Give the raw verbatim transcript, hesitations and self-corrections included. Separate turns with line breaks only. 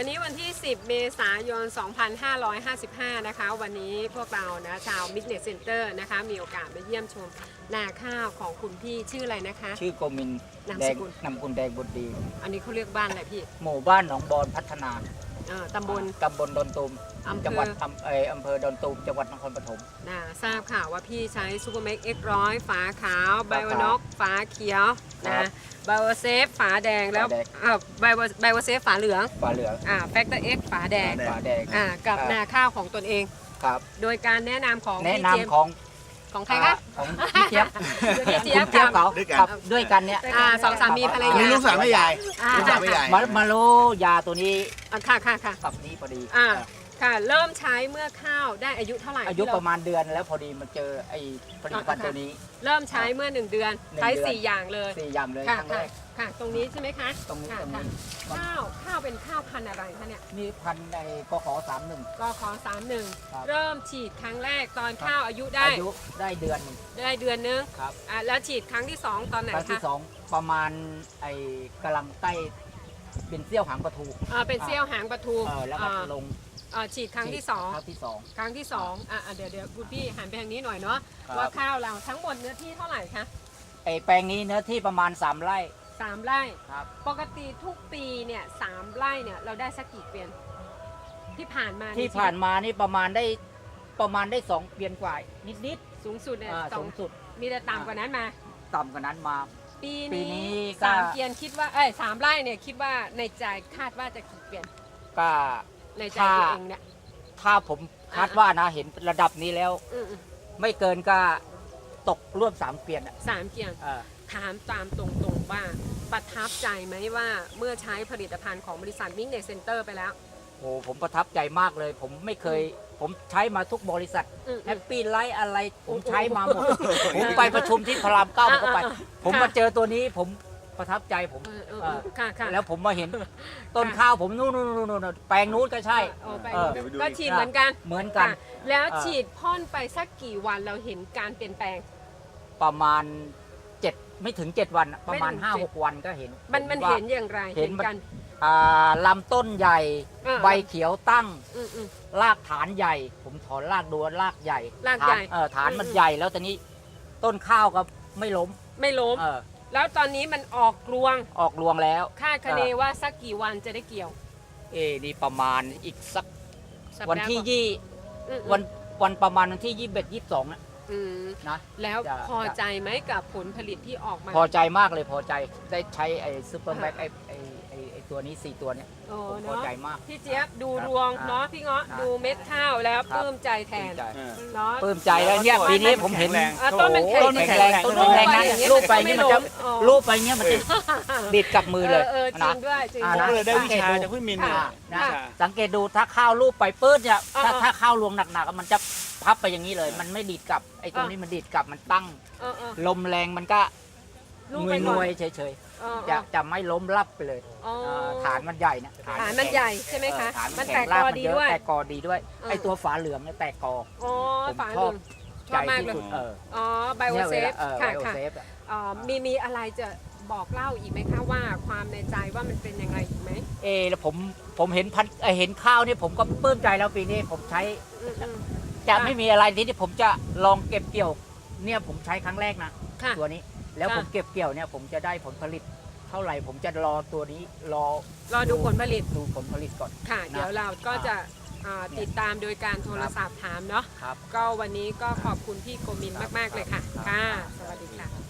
วันนี้วันที่สิบเมษายนสองพันห้าร้อยห้าสิบห้านะคะวันนี้พวกเรานะชาว Business Center นะคะมีโอกาสมาเยี่ยมชมนาข้าวของคุณพี่ชื่ออะไรนะคะ
ชื่อโกมิน
นาม
แด
ส
ง
กุล
นำกุลแดงบุตรดี
อันนี้เขาเรียกบ้านอะไรพี่
หมู่บ้านหนองบอนพัฒนา
เอ่อตำบล
ตำบลดอนตูม
อำเภอ
จังหวัดอำเอออำเภอดอนตูมจังหวัดนครปฐม
นะทราบข่าวว่าพี่ใช้ซูเปอร์แม็กเอ็กร้อยฝาขาวไบ
ฝาขาว
โอน็อกฝาเขียว
ครั
นะ
บ
ไบโอเซฟฝาแดงแล้ว
ฝาแดง
อ่าไบโอไบโอเซฟฝาเหลือง
ฝาเหลือง
อ่าแฟกเตอร์เอ็กฝาแดง
ฝาแดง
อ่ากับ
ครับ
นาข้าวของตนเอง
ครับ
โดยการแนะนำของ
แนะ
พี่
นำ
เจมส์
ของ
ของใครคะ
ของพี่เจี๊ยบ
พี่เจี๊ยบ
คุณเจี๊ยบ
กับ
เขา
ด้วยกัน
ครับด้วยกันเนี่ย
อ่าสองสามีภรร
อัน
ยา
นี้ลูกสาวแม่ยาย
อ่า
ลูกสาวแม่ยาย
มามารู้ยาตัวนี้
อ่าค่ะค่ะค่ะ
กับนี้พอดี
อ่าค่ะเริ่มใช้เมื่อข้าวได้อายุเท่าไหร่
อายุ
ที่เ
ประมาณเดือนแล้วพอดีมาเจอไอ้ผลิตภัณฑ์ตัวนี้
เริ่มใช้เมื่อหนึ่งเดือน
หนึ่ง
ใช้
เดือน
สี่อย่างเลย
สี่อย่างเลย
ค่ะ
ครั้งแร
ค่ะ
ก
ค่ะ ตรงนี้ใช่ไหมคะ
ตรงนี้
ค่ะ
ตรง
ค่ะ
นี้มัน
ข้าวข้าวเป็นข้าวพันธุ์อะไรคะเนี่ย
นี่พันในกขอสามหนึ่ง
ก็ขอสามหนึ่ง
ครับ
เริ่มฉีดครั้งแรกตอน
ครับ
ข้าวอายุได้
อายุได้เดือนหนึ่ง
ได้เดือนนึง
ครับ
อ่าแล้วฉีดครั้งที่สองตอนไหน
ครั้งที่
คะ
สองประมาณไอ้กำลังใกล้เป็นเสี้ยวหางปลาทู
อ่าเป็นเซี่ยวหางปลาทู
เออแล้วก็
อ่า
ลง
อ่าฉีดครั้งที่สอง
ครั้งที่สอง
ครั้งที่สองอ่ะอ่ะเดี๋ยวเดี๋ยวคุณพี่หันไปทางนี้หน่อยเนาะ
ครับ
ว่าข้าวเราทั้งหมดเนื้อที่เท่าไหร่คะ
ไอ้แปลงนี้เนื้อที่ประมาณสามไร่
สามไร่
ครับ
ปกติทุกปีเนี่ยสามไร่เนี่ยเราได้สักกี่เกวียนที่ผ่านมา
ที่ผ่านมานี่ประมาณได้ประมาณได้สองเปลี่ยนกว่านิดนิด
สูงสุดเนี่ย
ๆอ่า
สอ
สู
ง
งสุด
มีแต่ต่ำกว่านั้นมา
ต่ำกว่านั้นมา
ปี
ปี
นี้
นี้ก็
สามเกวียนคิดว่าเอ้ยสามไร่เนี่ยคิดว่าในใจคาดว่าจะกี่เกวียน
ก็
ในใจ
ถ้า
ตัวเองเนี่ย
ถ้าผมคาดว่านะเห็นระดับนี้แล้ว
อืมอืม
ไม่เกินก็ตกร่วมสามเปลี่ยนอ่ะ
สามเกวียน
เออ
ถามตามตรงๆว่าประทับใจไหมว่าเมื่อใช้ผลิตภัณฑ์ของบริษัทมิกเนสเซ็นเตอร์ไปแล้ว
โอ้ผมประทับใจมากเลย ผมไม่เคย ผมใช้มาทุกบริษัท
อืม
แฮปปี้ไลท์อะไรผมใช้มาหมด
โอ้โห
ผมไปประชุมที่พระรามเก้าผมก็ไป
อ่าอ่า
ผมมาเจอตัวนี้ผมประทับใจผม
เออเออ
เอ
เอ
อ
อค่ะค่ะ
แล้วผมมาเห็นต้นข้าวผมนู่นนู่นนู่นนู่นแปลงนู้นก็ใช่
เออไป
เออ
เดี๋ยวไปดู
ก็
อีก
ฉีดเหมือนกัน
เหมือนกัน
ค่ะแล้ว
เออ
ฉีดพ่นไปสักกี่วันเราเห็นการเปลี่ยนแปลง
ประมาณเจ็ดไม่ถึงเจ็ดวันอะประมาณ
ไม่ถึง
ห้า
เจ็ด
หกวันก็เห็น
มันมัน
ว่า
เห็นอย่างไร
เห็นมัน
กัน
อ่าลำต้นใหญ่
เออ
ใบเขียวตั้ง
อืมอืม
รากฐานใหญ่ ผมถอนรากดูรากใหญ่
รากใหญ่
ฐนเออฐานมัน
อืม
ใหญ่แล้วตอนนี้ต้นข้าวก็ไม่ล้ม
ไม่ล้ม
เออ
แล้วตอนนี้มันออกรวง
ออกรวงแล้ว
คาดคะเน
เออ
ว่าสักกี่วันจะได้เกี่ยว
เอนี่ประมาณอีกสัก
สัปดาห์
วันที่
กว่า
ยี่
อืม
วันวันประมาณวันที่ยี่สิบเอ็ดยี่สิบสองนะ
อืม
นะ
แล้ว
จะ
พอใจไหมกับผลผลิตที่ออกมา
พอใจมากเลยพอใจได้ใช้ไอ้ซูเปอร์แม็กไอ้ไอ้ไอ้ไอ้ตัวนี้สี่ตัวเนี้ย
โอ้
ผมพอ
เนาะ
ใจมาก
พี่เจี๊ยบดู
ครับ
รวง
อ่า
เนาะพี่เงาะ
อ่า
ดูเม็ดข้าวแล้ว
ครับ
ปลื้มใจแท
ปลื้
น
มใจ
เนาะ
ปลื้มใจแล้วเนี่ยปีนี้ผมเห็น
แข็งแรง
อ่ะต้นมันแข็ง
โอ้โหแข็งแรงต้นแข็งแรงนะรูปไปนี่มันจะรูปไปเนี่ยมันจะดิดกับมือเลย
เออจริ
นะ
งด้วยจริง
อ่า
ผม
ด้
ก็
วย
เลยได้วิชาจากพี่มินเนี่ย
ค่ะ
นะ
วิชา
สังเกตดูถ้าข้าวรูปไปปื้ดเนี่ยถ้า
เออ
ถ้าข้าวรวงหนักๆมันจะพับไปอย่างนี้เลย มันไม่ดีดกลับไอ้ตรงนี้มันดีดกลับมันตั้ง
เออเออ
ลมแรงมันก็
ลูก
ง
ไป
วย
ก่
ง
อน
วยๆเฉย
เออ
ๆ
เอ
จะ
อ
จะไม่ล้มรับไปเลย
อ๋อ
าฐานมันใหญ่นะ
ฐานมันใหญ่ใช่ไหมคะ
เออฐาน
มั
มัน น
แต
แต
ก
ก
ก
ราก
อ
มัน
ดี
เยอะ
ด้วย
แตกกอดีด้วย
เออ
ไอ้ตัวฝาเหลืองเนี่ยแตกกอ
อ๋อ
ผม
ฝา
ช
เห
อ
ลื
บ
องช
ใจ
อบมาก
ที่
เลย
สุดเออ
อ๋อไบโอ
เนี่ย
เซ
เว
ฟ
ลาเออ
ค่ะ
ไบโอ
ค่ะ
เซฟอะ
อ๋อมีมีอะไรจะบอกเล่าอีกไหมคะว่าความในใจว่ามันเป็นยังไงอีกไหม
เออแล้วผมผมเห็นพันเอ่อเห็นข้าวนี่ผมก็ปลื้มใจแล้วปีนี้ผมใช้
อืมอืม
จะ
ค่ะ
ไม่มีอะไรที่ที่ผมจะลองเก็บเกี่ยวเนี่ยผมใช้ครั้งแรกนะ
ค่ะ
ตัวนี้แล้ว
ค่ะ
ผมเก็บเกี่ยวเนี่ยผมจะได้ผลผลิตเท่าไหร่ผมจะรอตัวนี้รอ
รอดูผลผลิต
ดูผลผลิตก่อน
ค่ะ
นะ
เดี๋ยวเราก็จะอ่า
เนี่ย
ติดตามโดยการโทรศัพท์ถามเนาะ
ครับ
ก็วันนี้ก็ขอบคุณพี่โกมินมาก ๆ เลยค่ะ
ครับ
ค่ะ สวัสดีค่ะ